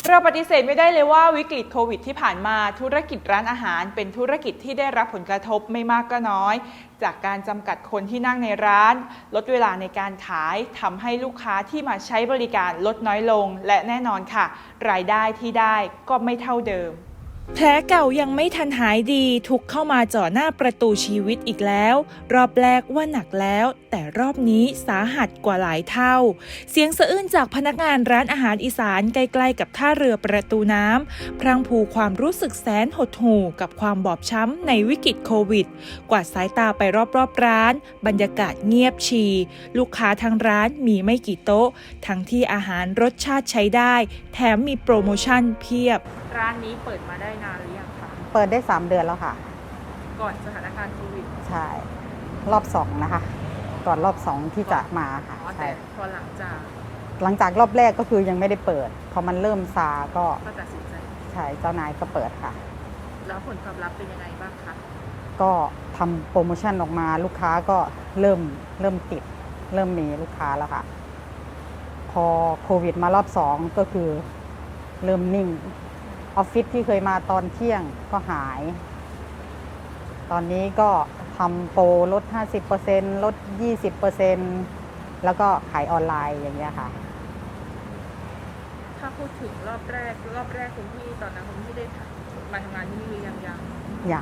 เราปฏิเสธไม่ได้เลยว่าวิกฤตโควิดที่ผ่านมาธุรกิจร้านอาหารเป็นธุรกิจที่ได้รับผลกระทบไม่มากก็น้อยจากการจำกัดคนที่นั่งในร้านลดเวลาในการขายทำให้ลูกค้าที่มาใช้บริการลดน้อยลงและแน่นอนค่ะรายได้ที่ได้ก็ไม่เท่าเดิมแผลเก่ายังไม่ทันหายดีทุกเข้ามาจ่อหน้าประตูชีวิตอีกแล้วรอบแรกว่าหนักแล้วแต่รอบนี้สาหัสกว่าหลายเท่าเสียงสะอื้นจากพนักงานร้านอาหารอีสานใกล้ๆกับท่าเรือประตูน้ำพรางพรูความรู้สึกแสนหดหู่กับความบอบช้ำในวิกฤตโควิดกวาดสายตาไปรอบๆร้านบรรยากาศเงียบชีลูกค้าทางร้านมีไม่กี่โต๊ะทั้งที่อาหารรสชาติใช้ได้แถมมีโปรโมชั่นเพียบร้านนี้เปิดมาได้นานหรือยังคะเปิดได้3 เดือนแล้วค่ะก่อนสถานการณ์โควิดใช่รอบ2นะคะก่อนรอบ2ที่จะมาค่ะแต่พอหลังจากรอบแรกก็คือยังไม่ได้เปิดพอมันเริ่มซาก็ตัดสินใจใช่เจ้านายก็เปิดค่ะแล้วผลตอบรับเป็นยังไงบ้างคะก็ทำโปรโมชั่นออกมาลูกค้าก็เริ่มติดเริ่มมีลูกค้าแล้วค่ะพอโควิดมารอบ2ก็คือเริ่มนิ่งออฟฟิศที่เคยมาตอนเที่ยงก็หายตอนนี้ก็ทำโปรลด 50% ลด 20% แล้วก็ขายออนไลน์อย่างเงี้ยค่ะถ้าพูดถึงรอบแรกคุณพี่ตอนนั้นคุณพี่ได้มาทำงานที่นี่หรือยัง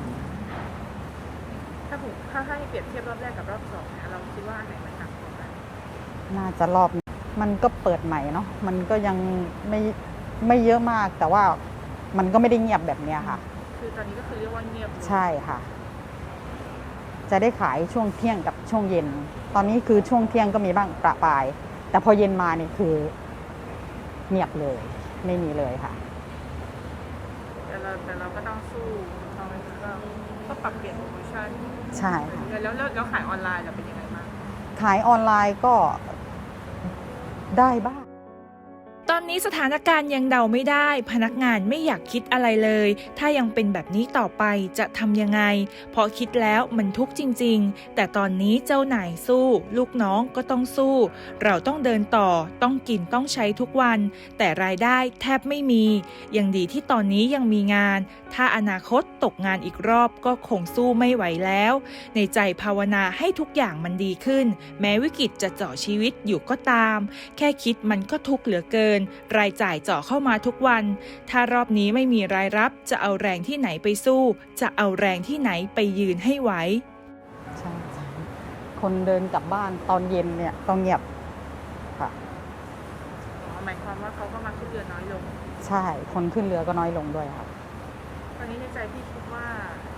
ถ้าให้เปรียบเทียบรอบแรกกับรอบ2เนี่ยเราคิดว่าอันไหนมันหนักกว่ากันน่าจะรอบมันก็เปิดใหม่เนาะมันก็ยังไม่เยอะมากแต่ว่ามันก็ไม่ได้เงียบแบบเนี้ยค่ะคือตอนนี้ก็คือเรียกว่าเงียบใช่ค่ะจะได้ขายช่วงเที่ยงกับช่วงเย็นตอนนี้คือช่วงเที่ยงก็มีบ้างประปรายแต่พอเย็นมาเนี่ยคือเงียบเลยไม่มีเลยค่ะแต่เราก็ต้องสู้เราก็ปรับเปลี่ยนโปรโมชั่นใช่ค่ะแล้วขายออนไลน์เราเป็นยังไงบ้างขายออนไลน์ก็ได้บ้างตอนนี้สถานการณ์ยังเดาไม่ได้พนักงานไม่อยากคิดอะไรเลยถ้ายังเป็นแบบนี้ต่อไปจะทำยังไงเพราะคิดแล้วมันทุกข์จริงๆแต่ตอนนี้เจ้านายสู้ลูกน้องก็ต้องสู้เราต้องเดินต่อต้องกินต้องใช้ทุกวันแต่รายได้แทบไม่มียังดีที่ตอนนี้ยังมีงานถ้าอนาคตตกงานอีกรอบก็คงสู้ไม่ไหวแล้วในใจภาวนาให้ทุกอย่างมันดีขึ้นแม้วิกฤตจะเจาะชีวิตอยู่ก็ตามแค่คิดมันก็ทุกข์เหลือเกินรายจ่ายเจาะเข้ามาทุกวันถ้ารอบนี้ไม่มีรายรับจะเอาแรงที่ไหนไปสู้จะเอาแรงที่ไหนไปยืนให้ไหวใช่คนเดินกลับบ้านตอนเย็นเนี่ยก็เงียบค่ะหมายความว่าเขาก็มาขึ้นเรือน้อยลงใช่คนขึ้นเรือก็น้อยลงด้วยครับตอนนี้ในใจพี่คิดว่า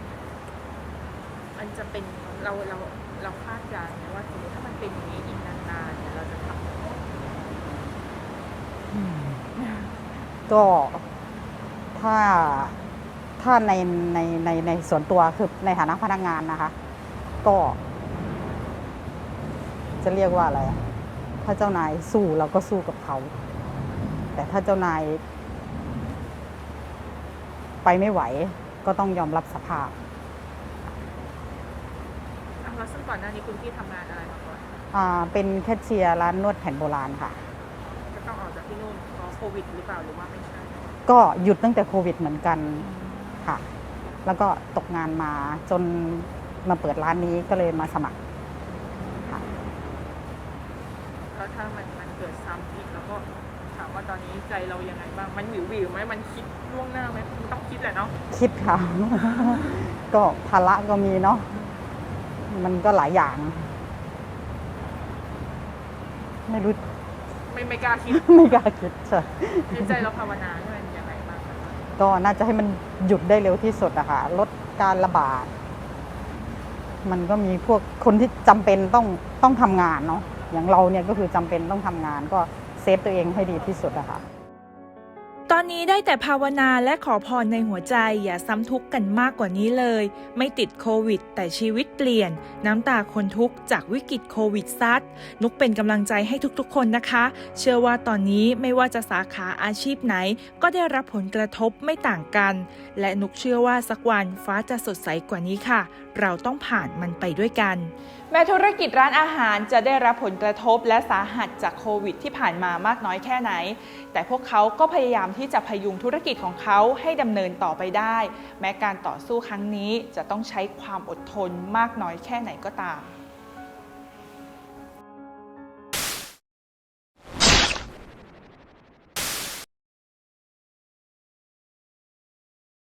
มันจะเป็นเราคาดการณ์นะว่าสมมติถ้ามันเป็นอย่างนี้อีกนานๆเนี่ยเราจะทำก็ถ้าในส่วนตัวคือในฐานะพนักงานนะคะก็จะเรียกว่าอะไรถ้าเจ้านายสู้เราก็สู้กับเขาแต่ถ้าเจ้านายไปไม่ไหวก็ต้องยอมรับสภาพแล้วซึ่งก่อนหน้านี้คุณพี่ทำงานอะไรมาก่อนเป็นแคชเชียร์ร้านนวดแผนโบราณค่ะจะต้องออกจากที่นู่นเพราะโควิดหรือเปล่าหรือว่าไม่ใช่ก็หยุดตั้งแต่โควิดเหมือนกันค่ะแล้วก็ตกงานมาจนมาเปิดร้านนี้ก็เลยมาสมัครค่ะแล้วถ้ามันเกิดซ้ำอีกแล้วก็ถามว่าตอนนี้ใจเรายังไงบ้างมันหวิวไหมมันคิดล่วงหน้าไหมต้องคิดแหละเนาะคิดค่ะ ก็ภาระก็มีเนาะมันก็หลายอย่างไม่รู้ไม่กล้าคิดไม่กล้าคิดใช่ในใจเราภาวนาให้มันยังไงบ้างก็น่าจะให้มันหยุดได้เร็วที่สุดอะค่ะลดการระบาดมันก็มีพวกคนที่จำเป็นต้องทำงานเนาะอย่างเราเนี่ยก็คือจำเป็นต้องทำงานก็เซฟตัวเองให้ดีที่สุดอะค่ะตอนนี้ได้แต่ภาวนาและขอพรในหัวใจอย่าซ้ำทุกข์กันมากกว่านี้เลยไม่ติดโควิดแต่ชีวิตเปลี่ยนน้ำตาคนทุกข์จากวิกฤตโควิดซัดนุกเป็นกำลังใจให้ทุกๆคนนะคะเชื่อว่าตอนนี้ไม่ว่าจะสาขาอาชีพไหนก็ได้รับผลกระทบไม่ต่างกันและนุกเชื่อว่าสักวันฟ้าจะสดใสกว่านี้ค่ะเราต้องผ่านมันไปด้วยกันแม้ธุรกิจร้านอาหารจะได้รับผลกระทบและสาหัสจากโควิดที่ผ่านมามากน้อยแค่ไหนแต่พวกเขาก็พยายามที่จะพยุงธุรกิจของเขาให้ดำเนินต่อไปได้แม้การต่อสู้ครั้งนี้จะต้องใช้ความอดทนมากน้อยแค่ไหนก็ตาม